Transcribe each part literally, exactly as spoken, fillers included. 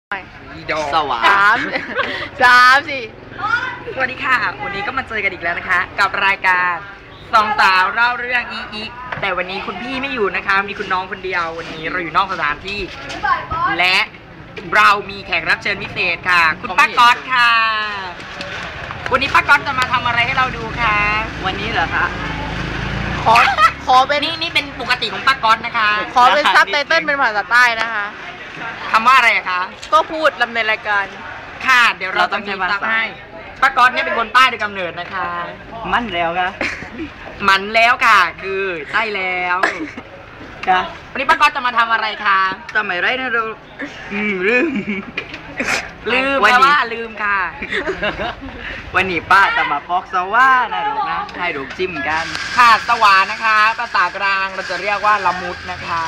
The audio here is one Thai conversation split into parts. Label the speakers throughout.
Speaker 1: สว่าง
Speaker 2: สามสามสี่
Speaker 3: สวัสดีค่ะวันนี้ก็มาเจอกันอีกแล้วนะคะ กับรายการสองสาวเล่าเรื่องอีอีแต่วันนี้คุณพี่ไม่อยู่นะคะมีคุณน้องคนเดียววันนี้เราอยู่นอกสถานที่ และเรามีแขกรับเชิญพิเศษค่ะ คุณป้าก๊อตค่ะ วันนี้ป้าก๊อตจะมาทำอะไรให้เราดูคะวันนี้เหรอคะ
Speaker 2: ขอขอเป็น
Speaker 3: นี่นี่เป็นปกติของป้าก๊อตนะคะ
Speaker 2: ขอเป็นซับไตเติ้ลเป็นภาษาใต้นะคะ
Speaker 3: คำว่าอะไรอะคะ
Speaker 2: ก็พูดดำเนินรายการ
Speaker 3: ค่ะเดี๋ยวเราต้องมีซับให้ป้าก๊อตเนี่ยเป็นคนใต้โดยกำเนิดนะคะ
Speaker 1: มั่นแล้วค่ะ
Speaker 3: มันแล้วค่ะ คือใช่แล้ว
Speaker 1: ค่ะ
Speaker 3: วันนี้ป้าก๊อตจะมาทำอะไรคะ
Speaker 1: ทำไมไรนะเราอืมลืม
Speaker 3: ลืม
Speaker 1: วั
Speaker 3: แป
Speaker 1: น
Speaker 3: ล
Speaker 1: นี้
Speaker 3: ว่าลืมค่ะ
Speaker 1: วันนี้ป้าจะมาปอกสว่านะลูกนะให้ลูกจิ้มกัน
Speaker 3: ค่ะสวานะคะภาษากลางเราจะเรียกว่าละมุดนะคะ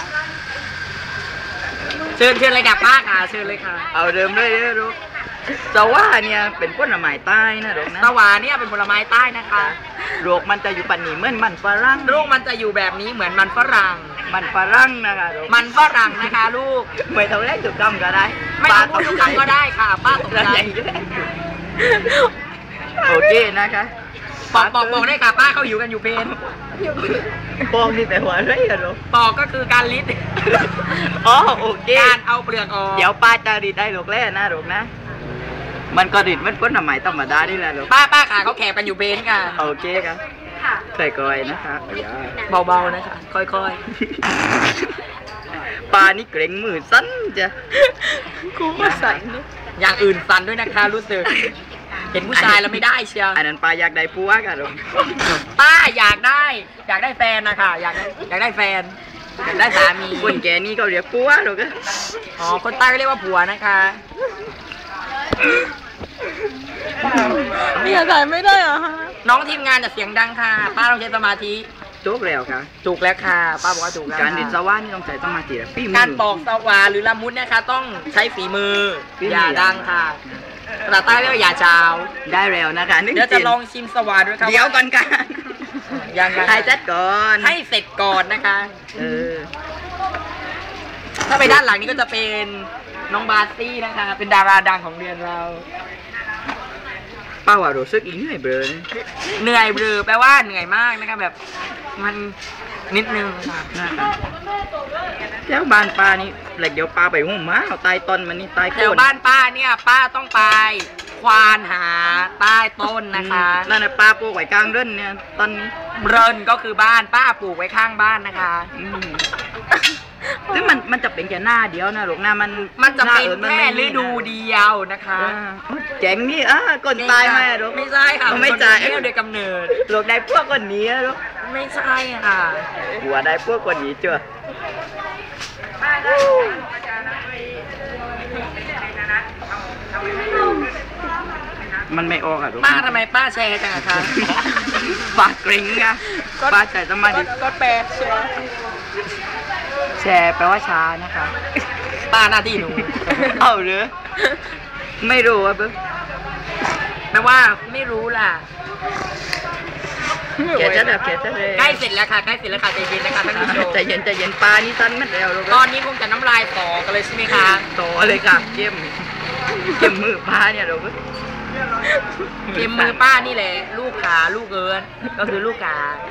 Speaker 3: เชิญเชิญเลยค่ะป้าค่ะเชิญเลยค่ะ
Speaker 1: เอาเดิมเลยเด้อลูกสว่าเนี่ยเป็นผลไม้ใต้นะลูกนะ
Speaker 3: สวาเนี่ยเป็นผลไม้ใต้นะคะ
Speaker 1: โรคมันจะอยู่ปันนี้เหมือนมันฝรั่ง
Speaker 3: ลูกมันจะอยู่แบบนี้เหมือนมันฝรั่ง
Speaker 1: มันฝรั่งนะคะลูก
Speaker 3: มันฝรั่งนะคะลูก
Speaker 1: ไม่ต้องแรกถูกคำก็ได้
Speaker 3: ไม่ต้องพูดทุกคำก็ได้ค่ะ ป้าตกใจ
Speaker 1: โอเคนะคะ
Speaker 3: บอกบอกบอกได้ค่ะป้าเขาอยู่กันอยู่เพน
Speaker 1: ปอกนี่แต่หัวไรอะลูก
Speaker 3: ปอกก็คือการลิด
Speaker 1: อ๋อโอเค
Speaker 3: การเอาเปลือกออก
Speaker 1: เดี๋ยวป้าจะรีดได้ลูกแร่นะลูกนะ มันก็รีดมันก้นทำไมธรรมดานี่แหละลูก
Speaker 3: ป้าป้าขาเขาแขกกันอยู่เพนค่ะ
Speaker 1: โอเคครับใส่กอยนะคะอย่า
Speaker 3: เบาๆนะคะค่อย
Speaker 1: ปลานี่เกรงมือสั้นจ้ะ
Speaker 2: กูก็สั่น
Speaker 3: ๆอย่างอื่นสั่นด้วยนะคะรู้สึก เห็นผู้ชายแล้วไม่ได้เชียว
Speaker 1: อันนั้นปลาอยากได้ปัวกันลูก
Speaker 3: ป้าอยากได้ อยากได้แฟนนะคะอยากได้อยากได้แฟน อยากได้สามี
Speaker 1: คนแกนี่เขาเรียกปัวลูกอะ
Speaker 3: อ๋อคนใต้ก็เรียกว่าผัวนะคะ
Speaker 2: เนี่ยใส่ไม่ได้เหรอฮะ
Speaker 3: น้องทีมงานจะเสียงดังค่ะ ป้าต้องใช้สมาธิ
Speaker 1: จุกแล้วค่ะ
Speaker 3: ถูกแล้วค่ะ ป้าบอกว่าถูกแล้ว
Speaker 1: การดิดสว่านี่ต้องใส่สมาธิฝีมือ
Speaker 3: การปอกสวาหรือละมุดนะคะ ต้องใช้ฝีมือ
Speaker 1: ฝีมือ
Speaker 3: อย่าดังค่ะภาษาใต้เรียกว่าอย่าจาว
Speaker 1: ได้แล้วนะคะนึก
Speaker 3: เดี๋ยวจะลองชิมสวาด้วยครับ
Speaker 1: เดี๋ยวก่อนกัน
Speaker 3: ยังยัง
Speaker 1: ถ่ายเสร็จก่อน
Speaker 3: ให้เสร็จก่อนนะคะ
Speaker 1: เออ
Speaker 3: ถ้าไปด้านหลังนี้ก็จะเป็นน้องบาร์ซี่นะคะ เป็นดาราดังของเรียนเรา
Speaker 1: ป้าว่ารู้สึกอีกเหนื่อยเบลอ
Speaker 3: เหนื่อยเบลอแปลว่าเหนื่อยมากนะคะแบบมันนิดนึงค่ะ
Speaker 1: นะคะแล้วบ้านป้านี่แหลกเดี๋ยวป้าไปหุ่มม้าเอาใต้ต้นมันนี่ใต้
Speaker 3: แถ
Speaker 1: โคว
Speaker 3: บ้านป้าเนี่ยป้าต้องไปควานหาใต้ต้นนะคะ
Speaker 1: นั่นน่ะป้าปลูกไว้กลางเร่นเนี่ยต้นนี้
Speaker 3: เรินก็คือบ้านป้าปลูกไว้ข้างบ้านนะคะ
Speaker 1: อืมซึ่งมันมันจะเป็นแค่หน้าเดียวนะลูกหน้ามัน
Speaker 3: มันจะเป็น
Speaker 1: หาอื่
Speaker 3: แค่
Speaker 1: ไม่มี
Speaker 3: ฤดูเดียวนะคะ
Speaker 1: อ่าแจ๋งนี่อ่ะคนตายไหมลูก
Speaker 3: ไม่ใช่ค่ะ
Speaker 1: ไม่จ่าย
Speaker 3: เป็นคนเที่ยวโดยกำเนิด
Speaker 1: ลูกได้พวกคนนี้อะลูก
Speaker 3: ไม่ใช่ค่ะ
Speaker 1: หัวได้พวกคนนี้จ้ะมันไม่ออกอ่ะลูก
Speaker 3: ป้าทำไมป้าแชร์จังอะคะ
Speaker 1: ปากเกร็งอะป้าใจสมาธิ
Speaker 2: ก็แปลเชียว
Speaker 1: แชร์แปลว่าช้านะคะ
Speaker 3: ป้าหน้าที่หนู
Speaker 1: เอาหรือไม่รู้อ่ะเบิ้ง
Speaker 3: แปลว่าไม่รู้ล่ะ
Speaker 1: แกจะแบบแกจะเลย
Speaker 3: ใกล้เสร็จแล้วค่ะใกล้เสร็จแล้วค่ะใจเย็นนะคะท่านผู้ชม
Speaker 1: ใจเย็นใจเย็นปลานี่สั้นมันแล้วลูก
Speaker 3: ตอนนี้คงจะน้ำลายต่อกันเลยใช่ไหมคะ
Speaker 1: โตเลยค่ะเยี่ยมเยี่ยมมือปลาเนี่ยลูก
Speaker 3: เกมมือป้านี่แหละ ลูกขาลูกเอิญก็คือลูกขา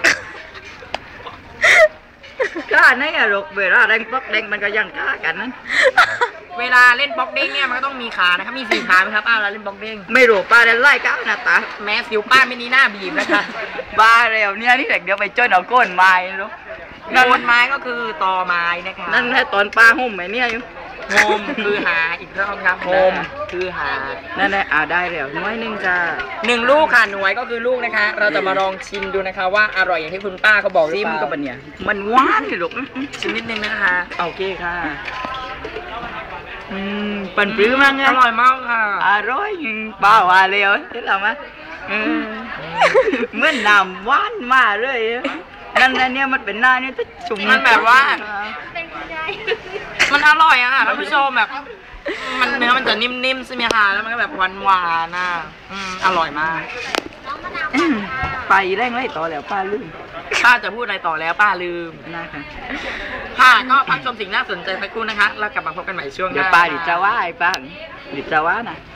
Speaker 1: กล้าไหนอะลูกเวลาแรงป๊อกแรงมันก็ยังกล้ากันนั้น
Speaker 3: เวลาเล่นบล็อกเด้งเนี่ยมันก็ต้องมีขานะครับมีสี่ขาไหมครับป้าเวลาเล่นบล็อกเด้ง
Speaker 1: ไม่รู้ปลาได้ไล่ก้าวหน้าตา
Speaker 3: แม้สิวป้าไม่นี่หน้าบีบนะคะ
Speaker 1: บ้าแล้วเนี่ยนี่เด็กเดี๋ยวไปจ้อยเอาก้นไม้ลูก
Speaker 3: โคนไม้ก็คือตอไม้นะคะ
Speaker 1: นั่นให้ตอนปลาหุ่มไหมเนี่ยอยู่
Speaker 3: โฮมคือหาอีกรอบครับโฮมคือหา
Speaker 1: นั่นแหละอ่าได้แล้วน้อยหนึงจ้า
Speaker 3: หนึ่งลูกค่ะหน่วยก็คือลูกนะคะ เราจะมาลองชิมดูนะคะว่าอร่อยอย่างที่คุณป้าเขาบอกหรือ
Speaker 1: ซิม
Speaker 3: เปล่า
Speaker 1: ก็ปะเนี่ยมันหวานเลยลูก
Speaker 3: ชิมนิดนึงนะคะ
Speaker 1: โอเคค่ะอืมปั่นปลื้มมากไง
Speaker 3: อร่อยมากค่ะ
Speaker 1: อร่อยป้าว่าเร็วเห็นหรอมะเออเหมื่อนน้ำหวานมากเลยนั่นนั่นเนี่ยมันเป็นหน้าเนี่ยจะชุ่ม
Speaker 3: มันแบบว่า มันอร่อยอะค่ะท่านผู้ชมแบบ มันเนื้อมันจะนิ่มๆใช่ไหมคะแล้วมันก็แบบหวานๆน่ะอืมอร่อยมาก
Speaker 1: อืมไปแรงไล่ต่อแล้วป้าลืม
Speaker 3: ป้าจะพูดอะไรต่อแล้วป้าลืม
Speaker 1: นะคะ
Speaker 3: ค่ะก็พักชมสิ่งน่าสนใจสักครู่นะคะแล้วกลับมาพบกันใหม่ช่วงหน้า
Speaker 1: เดี๋ยวป้าดิจะว่าไอ้ป้าดิจะว่านะ